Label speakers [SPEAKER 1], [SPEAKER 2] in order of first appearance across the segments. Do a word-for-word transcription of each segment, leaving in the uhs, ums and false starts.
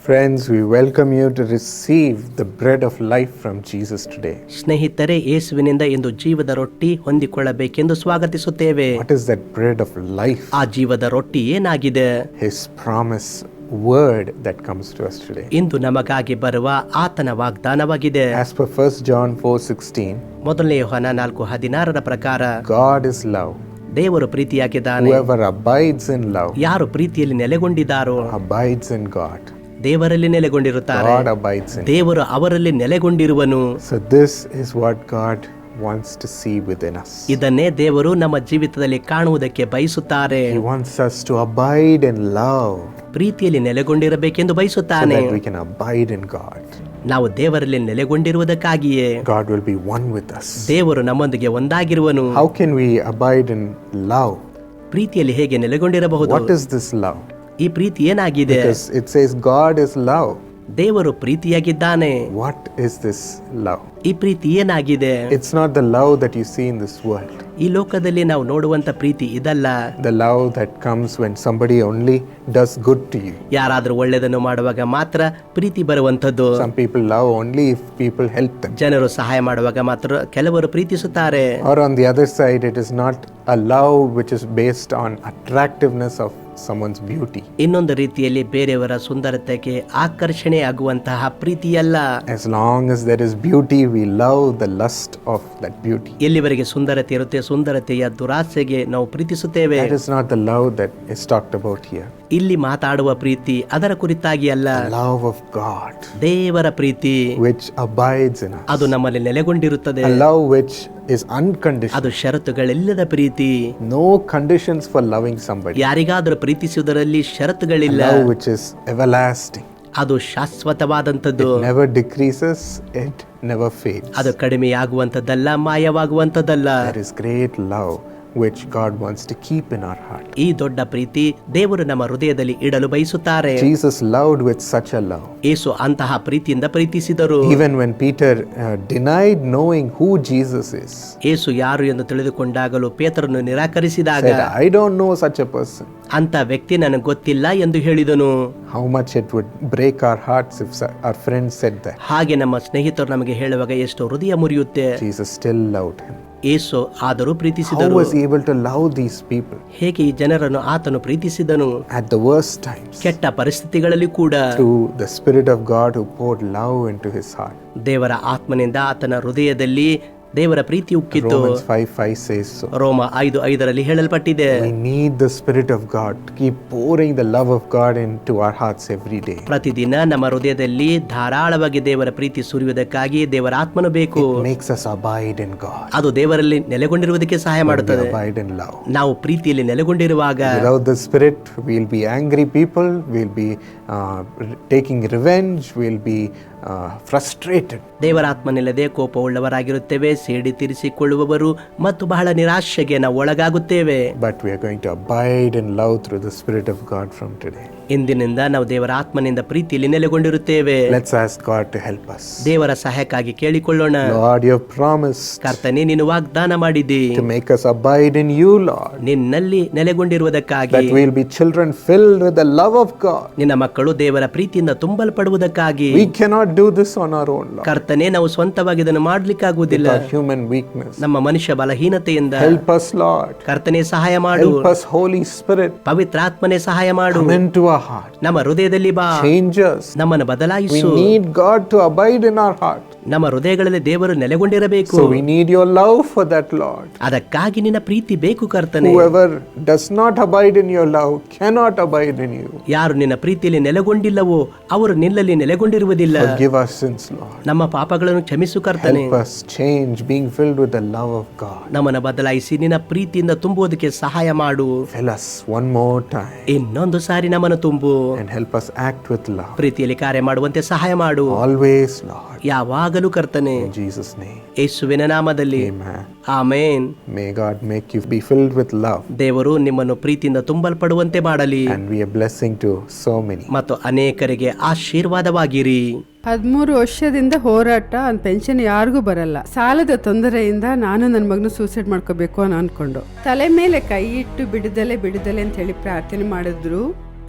[SPEAKER 1] Friends, we welcome you to receive the bread of life from Jesus today.
[SPEAKER 2] ಸ್ನೇಹಿತರೆ, ಯೇಸುವಿನಿಂದ ಇಂದು ಜೀವದ ರೊಟ್ಟಿ ಹೊಂದಿಕೊಳ್ಳಬೇಕೆಂದು ಸ್ವಾಗತಿಸುತ್ತೇವೆ.
[SPEAKER 1] What is that bread of life?
[SPEAKER 2] ಆ ಜೀವದ ರೊಟ್ಟಿ ಏನಾಗಿದೆ?
[SPEAKER 1] His promise word that comes to us today.
[SPEAKER 2] ಇಂದು ನಮಗಾಗಿ ಬರುವ ಆತನ ವಾಗ್ದಾನವಾಗಿದೆ.
[SPEAKER 1] As per First John four sixteen,
[SPEAKER 2] ಮೊದಲನೇ ಯೋಹಾನ ನಾಲ್ಕು ಹದಿನಾರರ ಪ್ರಕಾರ
[SPEAKER 1] God is love.
[SPEAKER 2] ದೇವರು ಪ್ರೀತಿಯಾಗಿದ್ದಾನೆ.
[SPEAKER 1] Whoever abides in love
[SPEAKER 2] ಯಾರು ಪ್ರೀತಿಯಲ್ಲಿ ನೆಲೆಗೊಂಡಿದ್ದಾರೋ
[SPEAKER 1] abides in God.
[SPEAKER 2] ದೇವರಲ್ಲಿ ನೆಲೆಗೊಂಡಿರುತ್ತಾರೆ.
[SPEAKER 1] God abides in.
[SPEAKER 2] ದೇವರು ಅವರಲ್ಲಿ ನೆಲೆಗೊಂಡಿರುವನು.
[SPEAKER 1] So this is what God wants to see within us.
[SPEAKER 2] ಇದನ್ನೇ ದೇವರು ನಮ್ಮ ಜೀವಿತದಲ್ಲಿ ಕಾಣುವುದಕ್ಕೆ ಬಯಸುತ್ತಾರೆ.
[SPEAKER 1] He wants us to abide in love
[SPEAKER 2] ಪ್ರೀತಿಯಲ್ಲಿ ನೆಲೆಗೊಂಡಿರಬೇಕೆಂದು
[SPEAKER 1] so
[SPEAKER 2] ಬಯಸುತ್ತಾನೆ.
[SPEAKER 1] that we can abide in God.
[SPEAKER 2] ನಾವು ದೇವರಲ್ಲಿ ನೆಲೆಗೊಂಡಿರುವುದಕ್ಕಾಗಿಯೇ
[SPEAKER 1] God will be one with us.
[SPEAKER 2] ದೇವರು ನಮ್ಮೊಂದಿಗೆ ಒಂದಾಗಿರುವನು.
[SPEAKER 1] How can we abide in love?
[SPEAKER 2] ಪ್ರೀತಿಯಲ್ಲಿ ಹೇಗೆ ನೆಲೆಗೊಂಡಿರಬಹುದು?
[SPEAKER 1] What is this love?
[SPEAKER 2] ಈ ಪ್ರೀತಿ ಏನಾಗಿದೆ?
[SPEAKER 1] Because it says God is love.
[SPEAKER 2] ದೇವರು ಪ್ರೀತಿಯಾಗಿದ್ದಾನೆ.
[SPEAKER 1] What is this love?
[SPEAKER 2] ಈ ಪ್ರೀತಿ ಏನಾಗಿದೆ?
[SPEAKER 1] It's not the love that you see in this world.
[SPEAKER 2] ಈ ಲೋಕದಲ್ಲಿ ನಾವು ನೋಡುವಂತ ಪ್ರೀತಿ ಇದಲ್ಲ.
[SPEAKER 1] The love that comes when somebody only does good to you.
[SPEAKER 2] ಯಾರಾದ್ರೂ ಒಳ್ಳೆಯದನ್ನು ಮಾಡುವಾಗ ಮಾತ್ರ ಪ್ರೀತಿ ಬರುವಂತದ್ದು.
[SPEAKER 1] Some people love only if people help them.
[SPEAKER 2] ಜನರು ಸಹಾಯ ಮಾಡುವಾಗ ಮಾತ್ರ ಕೆಲವರು ಪ್ರೀತಿಸುತ್ತಾರೆ.
[SPEAKER 1] Or on the other side, it is not a love which is based on attractiveness of someone's beauty.
[SPEAKER 2] ಇನ್ನೊಂದು ರೀತಿಯಲ್ಲಿ ಬೇರೆಯವರ ಸುಂದರತೆಗೆ ಆಕರ್ಷಣೆ ಆಗುವಂತಹ ಪ್ರೀತಿಯಲ್ಲ.
[SPEAKER 1] As long as there is beauty, we love the lust of that beauty.
[SPEAKER 2] ಎಲ್ಲಿವರೆಗೆ ಸುಂದರತೆ ಇರುತ್ತೆ, ಸುಂದರತೆಯ ದುರಾಸೆಗೆ ನಾವು ಪ್ರೀತಿಸುತ್ತೇವೆ.
[SPEAKER 1] That is not the love that is talked about here.
[SPEAKER 2] ಇಲ್ಲಿ ಮಾತಾಡುವ ಪ್ರೀತಿ ಅದರ ಕುರಿತಾಗಿ ಅಲ್ಲ.
[SPEAKER 1] The love of God
[SPEAKER 2] ದೇವರ ಪ್ರೀತಿ
[SPEAKER 1] which abides in us.
[SPEAKER 2] ಅದು ನಮ್ಮಲ್ಲಿ ನೆಲೆಗೊಂಡಿರುತ್ತದೆ.
[SPEAKER 1] A love which is unconditional.
[SPEAKER 2] ಅದು ಷರತ್ತುಗಳಿಲ್ಲದ ಪ್ರೀತಿ.
[SPEAKER 1] No conditions for loving somebody.
[SPEAKER 2] ಯಾರಿಗಾದರೂ ಪ್ರೀತಿಸುವುದರಲ್ಲಿ
[SPEAKER 1] A
[SPEAKER 2] ಷರತ್ತುಗಳಿಲ್ಲ.
[SPEAKER 1] love which is everlasting.
[SPEAKER 2] ಅದು ಶಾಶ್ವತವಾದಂಥದ್ದು.
[SPEAKER 1] It never decreases, it never fades.
[SPEAKER 2] ಅದು ಕಡಿಮೆಯಾಗುವಂಥದ್ದಲ್ಲ, ಮಾಯವಾಗುವಂಥದ್ದಲ್ಲ.
[SPEAKER 1] There is great love which God wants to keep in our heart.
[SPEAKER 2] ಈ ದೊಡ್ಡ ಪ್ರೀತಿ ದೇವರು ನಮ್ಮ ಹೃದಯದಲ್ಲಿ ಇಡಲು ಬಯಸುತ್ತಾರೆ.
[SPEAKER 1] Jesus loved with such a love.
[SPEAKER 2] ಯೇಸು ಅಂತಹ ಪ್ರೀತಿಯಿಂದ ಪ್ರೀತಿಸಿದರು.
[SPEAKER 1] Even when Peter uh, denied knowing who Jesus is,
[SPEAKER 2] ಯೇಸು ಯಾರು ಎಂದು ತಿಳಿದುಕೊಂಡಾಗಲೂ ಪೇತ್ರನು ನಿರಾಕರಿಸಿದಾಗ
[SPEAKER 1] said, I don't know such a person.
[SPEAKER 2] ಅಂತ ವ್ಯಕ್ತಿ ನನಗೆ ಗೊತ್ತಿಲ್ಲ ಎಂದು ಹೇಳಿದನು.
[SPEAKER 1] How much it would break our hearts if our friends said that.
[SPEAKER 2] ಹಾಗೆ ನಮ್ಮ ಸ್ನೇಹಿತರು ನಮಗೆ ಹೇಳುವಾಗ ಎಷ್ಟು ಹೃದಯ ಮುರಿಯುತ್ತೆ.
[SPEAKER 1] Jesus still loved him.
[SPEAKER 2] ಯೇಸು ಆದರೂ
[SPEAKER 1] How
[SPEAKER 2] ಪ್ರೀತಿಸಿದರು.
[SPEAKER 1] was he able to love these people
[SPEAKER 2] ಹೇಗೆ ಈ ಜನರನ್ನು ಆತನು ಪ್ರೀತಿಸಿದನು?
[SPEAKER 1] at the worst times?
[SPEAKER 2] ಕೆಟ್ಟ ಪರಿಸ್ಥಿತಿಗಳಲ್ಲಿ ಕೂಡ
[SPEAKER 1] Through the Spirit of God who poured love into his heart.
[SPEAKER 2] ದೇವರ ಆತ್ಮನಿಂದ ಆತನ ಹೃದಯದಲ್ಲಿ ದೇವರ ಪ್ರೀತಿ ಉಕ್ಕಿತು.
[SPEAKER 1] Romans five five says so.
[SPEAKER 2] ರೋಮ ಐದು ಐದರಲ್ಲಿ ಹೇಳಲ್ಪಟ್ಟಿದೆ.
[SPEAKER 1] We need the Spirit of God to keep pouring the love of God into our hearts every day.
[SPEAKER 2] ಪ್ರತಿದಿನ ನಮ್ಮ ಹೃದಯದಲ್ಲಿ ಧಾರಾಳವಾಗಿ ದೇವರ ಪ್ರೀತಿ ಸುರಿಯುವುದಕ್ಕಾಗಿ ದೇವರ ಆತ್ಮನು ಬೇಕು.
[SPEAKER 1] It makes us abide in God.
[SPEAKER 2] ಅದು ದೇವರಲ್ಲಿ ನೆಲೆಗೊಂಡಿರುವುದಕ್ಕೆ ಸಹಾಯ
[SPEAKER 1] We
[SPEAKER 2] ಮಾಡುತ್ತದೆ.
[SPEAKER 1] abide in love.
[SPEAKER 2] ನಾವು ಪ್ರೀತಿಯಲ್ಲಿ ನೆಲೆಗೊಂಡಿರುವಾಗ
[SPEAKER 1] Without the Spirit, we'll be angry people, we'll be uh, taking revenge, we'll be uh, frustrated.
[SPEAKER 2] ದೇವರ ಆತ್ಮನಿಲ್ಲದೆ ಕೋಪವುಳ್ಳವರಾಗಿರುತ್ತೇವೆ, ಸೇಡಿ ತೀರಿಸಿಕೊಳ್ಳುವವರು ಮತ್ತು ಬಹಳ ನಿರಾಶೆಗೆ ನಾವು ಒಳಗಾಗುತ್ತೇವೆ.
[SPEAKER 1] But we are going to abide in love through the Spirit of God from today.
[SPEAKER 2] ಇಂದಿನಿಂದ ನಾವು ದೇವರ ಆತ್ಮನಿಂದ ಪ್ರೀತಿಯಲ್ಲಿ ನೆಲೆಗೊಂಡಿರುತ್ತೇವೆ.
[SPEAKER 1] Let's ask God to help us.
[SPEAKER 2] ದೇವರ ಸಹಾಯಕ್ಕಾಗಿ ಕೇಳಿಕೊಳ್ಳೋಣ.
[SPEAKER 1] Lord, you have promised
[SPEAKER 2] ಕರ್ತನೇ, ನೀನು ವಾಗ್ದಾನ ಮಾಡಿದಿ
[SPEAKER 1] to make us abide in you, Lord.
[SPEAKER 2] ನಿನ್ನಲ್ಲಿ ನೆಲೆಗೊಂಡಿರುವುದಕ್ಕಾಗಿ,
[SPEAKER 1] That we'll be children filled with the love of God.
[SPEAKER 2] ನಿನ್ನ ಮಕ್ಕಳು ದೇವರ ಪ್ರೀತಿಯಿಂದ ತುಂಬಲ್ಪಡುವುದಕ್ಕಾಗಿ.
[SPEAKER 1] We cannot do this on our own, Lord.
[SPEAKER 2] ಕರ್ತನೇ, ನಾವು ಸ್ವಂತವಾಗಿ ಇದನ್ನು ಮಾಡ್ಲಿಕ್ಕಾಗುವುದಿಲ್ಲ.
[SPEAKER 1] With our human weakness.
[SPEAKER 2] ನಮ್ಮ ಮನುಷ್ಯ ಬಲಹೀನತೆಯಿಂದ.
[SPEAKER 1] Help us, Lord.
[SPEAKER 2] ಕರ್ತನೇ, ಸಹಾಯ ಮಾಡು.
[SPEAKER 1] Help us, Holy Spirit.
[SPEAKER 2] ಪವಿತ್ರಾತ್ಮನೇ, ಸಹಾಯ ಮಾಡು.
[SPEAKER 1] Come into our heart.
[SPEAKER 2] ನಮ್ಮ ಹೃದಯದಲ್ಲಿ ಬಾ.
[SPEAKER 1] Change us.
[SPEAKER 2] ನಮ್ಮನ್ನು
[SPEAKER 1] We
[SPEAKER 2] ಬದಲಾಯಿಸು.
[SPEAKER 1] need God to abide in our heart.
[SPEAKER 2] ನಮ್ಮ ಹೃದಯಗಳಲ್ಲಿ ದೇವರು ನೆಲೆಗೊಂಡಿರಬೇಕು.
[SPEAKER 1] So we need your love for that, Lord.
[SPEAKER 2] ಅದಕ್ಕಾಗಿ ನಿನ್ನ ಪ್ರೀತಿ ಬೇಕು ಕರ್ತನೇ.
[SPEAKER 1] Whoever does not abide in your love cannot abide in you.
[SPEAKER 2] ಯಾರು ನಿನ್ನ ಪ್ರೀತಿಯಲ್ಲಿ ನೆಲೆಗೊಂಡಿಲ್ಲವೋ ಅವರು ನಿನ್ನಲ್ಲಿ ನೆಲೆಗೊಂಡಿರುವುದಿಲ್ಲ.
[SPEAKER 1] Forgive our sins, Lord.
[SPEAKER 2] ನಮ್ಮ ಪಾಪಗಳನ್ನು ಕ್ಷಮಿಸು ಕರ್ತನೇ.
[SPEAKER 1] Help us change, being filled with the love of God.
[SPEAKER 2] ನಮ್ಮನ್ನು ಬದಲಾಯಿಸಿ ನಿನ್ನ ಪ್ರೀತಿಯಿಂದ ತುಂಬುವುದಕ್ಕೆ ಸಹಾಯ ಮಾಡು.
[SPEAKER 1] Fill us one more time
[SPEAKER 2] ಇನ್ನೊಂದು ಸಾರಿ ನಮ್ಮನ್ನು ತುಂಬು.
[SPEAKER 1] and help us act with love.
[SPEAKER 2] ಪ್ರೀತಿಯಲ್ಲಿ ಕಾರ್ಯ ಮಾಡುವಂತೆ ಸಹಾಯ ಮಾಡು.
[SPEAKER 1] Always, Lord.
[SPEAKER 2] ಯಾವಾಗಲೂ ಕರ್ತನೇ.
[SPEAKER 1] In Jesus' name.
[SPEAKER 2] ಯೇಸುವಿನ ನಾಮದಲ್ಲಿ.
[SPEAKER 1] Amen.
[SPEAKER 2] Amen.
[SPEAKER 1] May God make you be filled with love
[SPEAKER 2] ದೇವರು ನಿಮ್ಮನ್ನು ಪ್ರೀತಿಯಿಂದ ತುಂಬಲ್ಪಡುವಂತೆ ಮಾಡಲಿ
[SPEAKER 1] and be a blessing to so many.
[SPEAKER 2] ಮತ್ತು ಅನೇಕರಿಗೆ ಆಶೀರ್ವಾದವಾಗಿರಿ.
[SPEAKER 3] ಹದಿಮೂರು ವರ್ಷದಿಂದ ಹೋರಾಟ, ಒಂದು ಪೆನ್ಷನ್ ಯಾರಿಗೂ ಬರಲ್ಲ. ಸಾಲದ ತೊಂದರೆಯಿಂದ ನಾನು ನನ್ನ ಮಗನ ಸೂಸೈಡ್ ಮಾಡ್ಕೋಬೇಕು ಅನ್ನೋ ಅನ್ಕೊಂಡು ತಲೆ ಮೇಲೆ ಕೈ ಇಟ್ಟು ಬಿಡದಲೆ ಬಿಡದಲೆ ಅಂತ ಹೇಳಿ ಪ್ರಾರ್ಥನೆ ಮಾಡಿದ್ರು.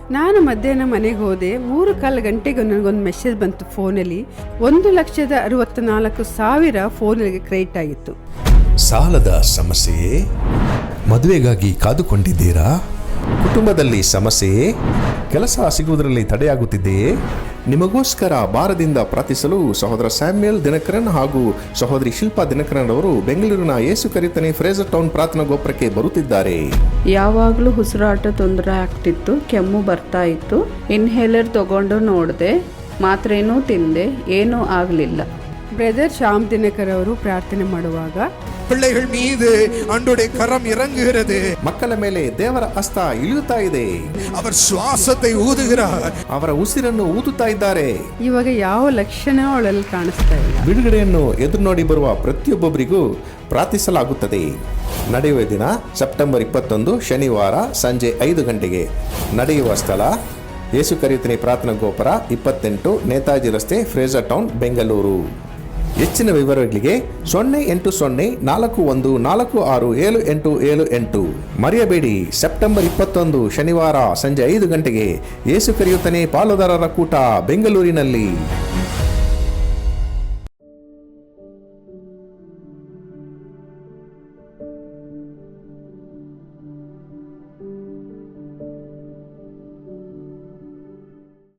[SPEAKER 3] ನಾನು ಮಧ್ಯಾಹ್ನ ಮನೆಗೆ ಹೋದೆ. ಮೂರು ಕಾಲು ಗಂಟೆಗೆ ನನಗೊಂದು ಮೆಸೇಜ್ ಬಂತು ಫೋನಲ್ಲಿ. ಒಂದು ಲಕ್ಷದ ಅರವತ್ತ ನಾಲ್ಕು ಸಾವಿರ ಫೋನಿಗೆ ಕ್ರೆಡಿಟ್ ಆಗಿತ್ತು.
[SPEAKER 4] ಸಾಲದ ಸಮಸ್ಯೆಯೇ? ಮದುವೆಗಾಗಿ ಕಾದುಕೊಂಡಿದ್ದೀರಾ? ಕುಟುಂಬದಲ್ಲಿ ಸಮಸ್ಯೆಯೇ? ಕೆಲಸ ಸಿಗುವುದರಲ್ಲಿ ತಡೆಯಾಗುತ್ತಿದೆಯೇ? ನಿಮಗೋಸ್ಕರ ಭಾರದಿಂದ ಪ್ರಾರ್ಥಿಸಲು ಸಹೋದರ ಸ್ಯಾಮ್ಯಲ್ ದಿನಕರನ್ ಹಾಗೂ ಸಹೋದರಿ ಶಿಲ್ಪಾ ದಿನಕರನ್ ಅವರು ಬೆಂಗಳೂರಿನ ಯೇಸು ಕರಿಯುತ್ತಾನೆ ಫ್ರೇಜರ್ ಟೌನ್ ಪ್ರಾರ್ಥನಾ ಗೋಪುರಕ್ಕೆ ಬರುತ್ತಿದ್ದಾರೆ.
[SPEAKER 5] ಯಾವಾಗಲೂ ಉಸಿರಾಟ ತೊಂದರೆ ಆಗ್ತಿತ್ತು, ಕೆಮ್ಮು ಬರ್ತಾ ಇತ್ತು. ಇನ್ಹೇಲರ್ ತಗೊಂಡು ನೋಡಿದೆ, ಮಾತ್ರೇನೂ ತಿಂದೆ, ಏನೂ ಆಗಲಿಲ್ಲ.
[SPEAKER 3] ಬ್ರದರ್ ಶ್ಯಾಮ್ ದಿನಕರ್ ಅವರು ಪ್ರಾರ್ಥನೆ ಮಾಡುವಾಗ
[SPEAKER 6] பிள்ளைகள் மீது ஆண்டவருடைய கரம் இறங்குகிறது.
[SPEAKER 4] ಮಕ್ಕಳ ಮೇಲೆ ದೇವರ ಹಸ್ತ ಇಳಿಯುತ್ತಾ ಇದೆ.
[SPEAKER 6] அவர் சுவாசத்தை ஊதுகிறார்.
[SPEAKER 4] ಅವರ ಉಸಿರನ್ನು ಊದುತ್ತಾ ಇದ್ದಾರೆ.
[SPEAKER 3] ಇವಾಗ ಯಾವ ಲಕ್ಷಣ ಅವಳಲ್ಲಿ ಕಾಣಿಸ್ತಾ ಇಲ್ಲ.
[SPEAKER 4] ಬಿಡುಗಡೆಯನ್ನು ಎದುರು ನೋಡಿ ಬರುವ ಪ್ರತಿಯೊಬ್ಬೊಬ್ಬರಿಗೂ ಪ್ರಾರ್ಥಿಸಲಾಗುತ್ತದೆ. ನಡೆಯುವ ದಿನ ಸೆಪ್ಟೆಂಬರ್ ಇಪ್ಪತ್ತೊಂದು ಶನಿವಾರ ಸಂಜೆ ಐದು ಗಂಟೆಗೆ. ನಡೆಯುವ ಸ್ಥಳ ಯೇಸು ಕರಿಯುತ್ತಾನೆ ಪ್ರಾರ್ಥನಾ ಗೋಪುರ, ಇಪ್ಪತ್ತೆಂಟು ನೇತಾಜಿ ರಸ್ತೆ, ಫ್ರೇಜರ್ ಟೌನ್, ಬೆಂಗಳೂರು. ಹೆಚ್ಚಿನ ವಿವರಗಳಿಗೆ ಸೊನ್ನೆ ಎಂಟು ಸೊನ್ನೆ ನಾಲ್ಕು ಒಂದು ನಾಲ್ಕು ಆರು ಏಳು ಎಂಟು ಏಳು ಎಂಟು. ಮರೆಯಬೇಡಿ, ಸೆಪ್ಟೆಂಬರ್ ಇಪ್ಪತ್ತೊಂದು ಶನಿವಾರ ಸಂಜೆ ಐದು ಗಂಟೆಗೆ ಯೇಸು ಕರಿಯುತ್ತಾನೆ ಪಾಲುದಾರರ ಕೂಟ ಬೆಂಗಳೂರಿನಲ್ಲಿ.